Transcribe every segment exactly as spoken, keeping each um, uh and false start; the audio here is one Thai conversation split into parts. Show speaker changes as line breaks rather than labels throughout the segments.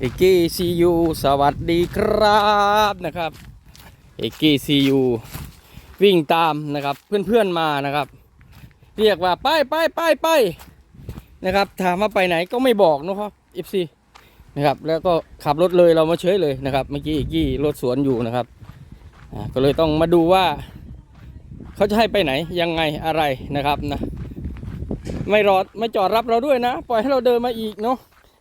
เอกกี้ซียูสวัสดีครับนะครับเอกกี้ซียูวิ่งตามนะครับเพื่อนๆมานะครับเรียกว่าไปไปไปไปนะครับถามว่าไปไหนก็ไม่บอกนะครับเอฟซีนะครับแล้วก็ขับรถเลยเรามาเฉยเลยนะครับเมื่อกี้เอกกี้รถสวนอยู่นะครับก็เลยต้องมาดูว่าเขาจะให้ไปไหนยังไงอะไรนะครับนะไม่รอดไม่จอดรับเราด้วยนะปล่อยให้เราเดินมาอีกเนาะ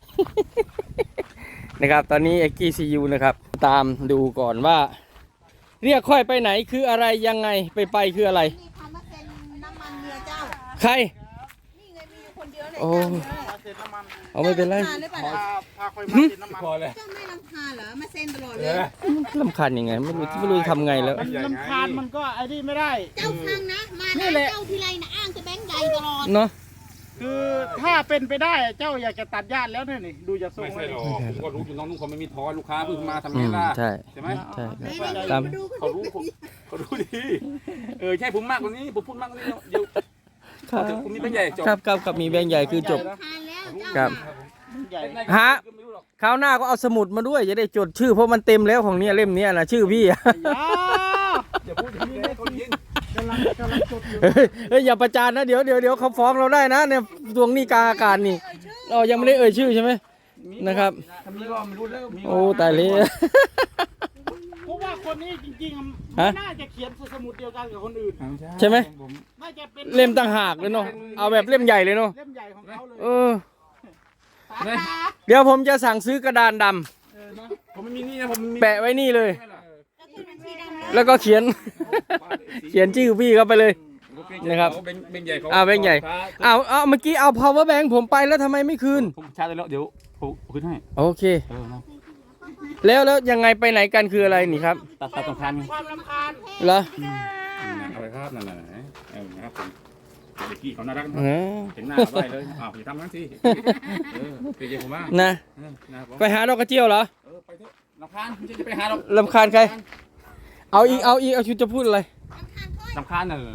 นะครับตอนนี้เอกกี้ซียูนะครับตามดูก่อนว่าเรียกค่อยไปไหนคืออะไรยังไงไปไปคืออะไร
มีคำว่าเซ็นน้ำมันเรือเจ้า
ใคร
นี่ไงมีอยู่คนเดียวเลย
โอ้
เจ้า
เอาไม่เป็นไร
รำคาญหรือเปล่า
พาพาคอยมาติดน้ำมันพอเลย
เจ้าไม่รำคาญเหรอมาเซ็นตลอดเลย
ลำคาญยังไงไม่รู้ไม่รู้จะทำไงแล้ว
มันลำคาญมันก็ไอ้นี่ไม่ได้
เจ้าฟังนะมา
นี่
นะ
แหละ
เจ้าทีไรนะอ้างจะแบงค์ใหญ่ตลอด
เนาะ
คือถ้าเป็นไปได้เจ้าอยากจะตัดญาติแล้วเนี่ยนี่ดูจะส่ง
ไม่
เล
ใช่
ย
หรอกผมก็รู้อยู่น้องนุ่งเขาไม่มีท้อลูกค้าเพิ่งมาทำ
อื
ไง
ม
ล่ะ
ใช่
ใช่ไหม
ใช่
ไหน
ครับ
ๆ
ตาม
มาดูกัน
เขารู้ผมเขารู้ดีเออใช่ผมมากกว่านี้ผมพูดมากกว่านี้เดี๋ยว
ครับ
คุณมีเป็นใหญ่จบ
ครับครับครับมีแบงค์ใหญ่คือจบ
รำคาญแล้วเจ้า
ครับ
ใหญ่
ฮะ คราวหน้าก็เอาสมุดมาด้วยจะได้จดชื่อเพราะมันเต็มแล้วของเนี้ยเล่มเนี้ยนะชื่อพี่อะ
อย่าพูดอย่างนี้เลยคนยิน
กำลังกำลังจดอยู่
เฮ้ยเฮ้ยอย่าประจานนะเดี๋ยวเดี๋ยวเดี๋ยวเขาฟ้องเราได้นะเนี่ยดวงนี้กลางอากาศนี่เรายังไม่ได้เอ่ยชื่อใช่ไหมนะครับ
ถ้ามีก็ไม่รู้แล้วมี
โอ้ตายเลย
เพราะว่าคนนี้จริงๆ
ฮะ
น่าจะเขียนสมุดเดียวกันกับคนอื่น
ใช่ไหม
น่าจะเป็น
เล่มต่างหากเลยเนาะเอาแบบเล่มใหญ่เลยเนาะ
เล่มใหญ่ของเขาเลย
เออเดี๋ยวผมจะสั่งซื้อกระดานดำ
เออนะ
ผมไม่มีนี่นะผมมี
แปะไว้นี่เลย
แล้วขึ้นบัญชีดำแล้ว
แล้วก็เขียน เขียนชื่อพี่เข้าไปเลย นะครับ
เขาเป็นเป็นใหญ่เขา
อ่าเป็นใหญ่เอาเอาเมื่อกี้เอา power bank ผมไปแล้วทำไมไม่คืน
ผมชาร์จได้แล้วเดี๋ยวผมคืนให้
โอเค
เออนะ
แล้วแล้วยังไงไปไหนกันคืออะไรนี่ครับ
ตัดตัดสำคัญ
ความรำคาญ
เหรอ
เอาไปครับนั่นแหละเออนะครับผมเด็กกี้เขาน่ารัก
เออ
เห็นหน้าไปเลยอ้าวอย่าทำงั้นสิเออเป็นใจผมมาก
นะ
เออนะผม
ไปหาดอกกระเจียวเหรอ
เออไปเถอะลำคาญไม่ใช่จะไปหาเรา
ลำคาญใคร เอาอีกเอาอีกเอาชุดจะพูดอะไร
ลำคาญเนอะ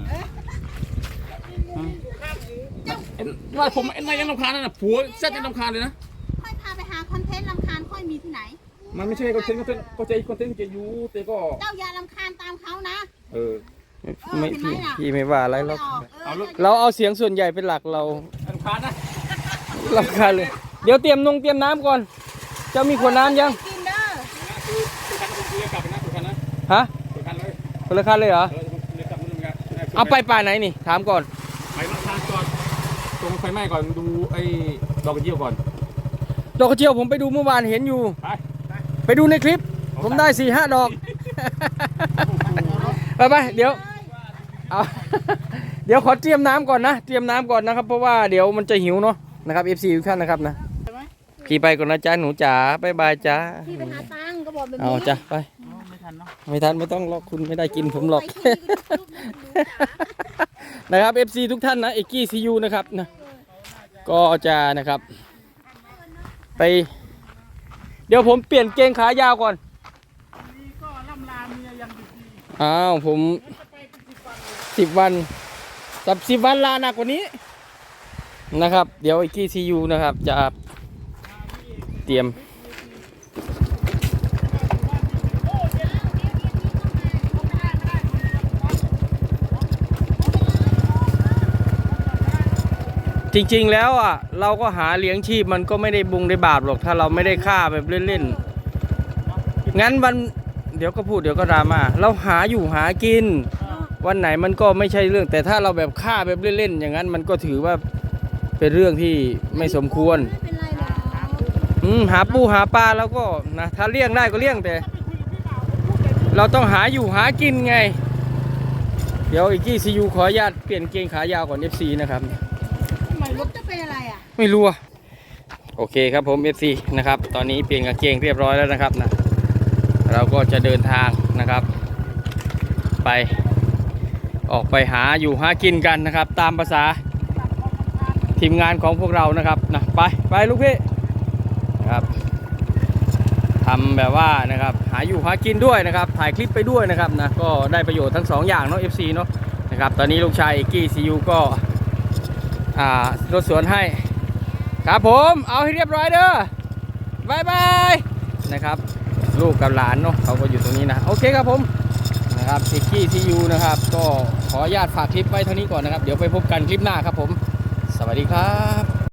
เอ็นว่าผมเอ็นไม่ยังลำคาญนั่นน่ะผัวเซ็ตยังลำคาญเลยนะ
ค่อยพาไปหาคอนเทนต์รำคาญค่อยมีที่ไหน
มันไม่ใช่คอนเทนต์คอนเทนต์ก็ใจคอนเทนต์จะอยู่แต่ก็
เจ้าอย่ารำคาญตามเขานะ
เออ
ไม่พี่พี่ไม่ว่าอะไรหรอก
เอาลูก
เราเอาเสียงส่วนใหญ่เป็นหลักเรา
ลำคาญนะ
ลำคาญเลย เดี๋ยวเตรียมนงเตรียมน้ำก่อน เจ้ามีขวดน้ำยัง
กินเด้อ
คือคือคันผมเรียกกลับไปนะคือคันนะ
ฮะ
คือคันเลย
คนละคันเลยเหรอ
เออผมเรียกกลับนู่นกัน
เอาไปป่าไหนนี่ ถามก่อน
ไปลำคาญก่อนตรงไฟไหม้ก่อนดูไอ้ดอกกระเจียวก่อน
ดอกกระเจียวผมไปดูเมื่อวานเห็นอยู่
ไป
ไปดูในคลิป ผมได้สี่ห้าดอก ไปไปเดี๋ยวเอา เดี๋ยวขอเตรียมน้ำก่อนนะ เตรียมน้ำก่อนนะครับ เพราะว่าเดี๋ยวมันจะหิวเนาะนะครับ เอฟ ซี ทุกท่านนะครับนะพี่ไปก่อนนะจ๊ะหนูจ๋าบายบายจ้า
พี่ไปหาตังค์ก็บอกแบบนี้
เอาจ้ะไป
ไม่ทันเนาะ
ไม่ทันไม่ต้องหรอกคุณไม่ได้กินผมหรอก
ไปที่นี่ก็ดูรูปหนูจ๋า
นะครับ เอฟ ซี ทุกท่านนะเอกกี้ซียูนะครับนะก็จะนะครับ ไป เดี๋ยวผมเปลี่ยนเกงขายาวก่อน
นี่ก็ล่ำลาเมียยังดี
อ้าวผมสิบวันสับสิบวันลาหนักกว่านี้นะครับ เดี๋ยวเอกกี้ซียูนะครับจะเตรียมจริงๆแล้วอ่ะเราก็หาเลี้ยงชีพมันก็ไม่ได้บุงได้บาปหรอกถ้าเราไม่ได้ฆ่าแบบเล่นๆงั้นวันเดี๋ยวก็พูดเดี๋ยวก็ดราม่าเราหาอยู่หากินวันไหนมันก็ไม่ใช่เรื่อง แต่ถ้าเราแบบฆ่าแบบเล่นๆอย่างนั้นมันก็ถือว่าเป็นเรื่องที่ไม่สมควร
ไม่เป็นไรหรอก
อืมหาปูหาปลาแล้วก็นะถ้าเลี้ยงได้ก็เลี้ยงแต่ เราต้องหาอยู่หากินไง เดี๋ยวอีกกี้ซียูขออนุญาตเปลี่ยนเกงขายาวก่อน เอฟ ซี นะครับ
รถจะเป็นอะไรอ่ะ
ไม่รู้อะโอเคครับผม เอฟ ซี นะครับตอนนี้เปลี่ยนกางเกงเรียบร้อยแล้วนะครับนะเราก็จะเดินทางนะครับ ไปออกไปหาอยู่หากินกันนะครับ ตามภาษาทีมงานของพวกเรานะครับนะไปไปลูกพี่นะครับทำแบบว่านะครับหาอยู่หากินด้วยนะครับถ่ายคลิปไปด้วยนะครับนะก็ได้ประโยชน์ทั้งสองอย่างเนาะ เอฟ ซี เนาะนะครับตอนนี้ลูกชายเอกกี้ซียูก็อ่ารถสวนให้ครับผมเอาให้เรียบร้อยเด้อบายบายนะครับลูกกับหลานเนาะเขาก็อยู่ตรงนี้นะโอเคครับผมนะครับเอกกี้ซียูนะครับก็ขออนุญาตฝากคลิปไว้เท่านี้ก่อนนะครับเดี๋ยวไปพบกันคลิปหน้าครับผมสวัสดีครับ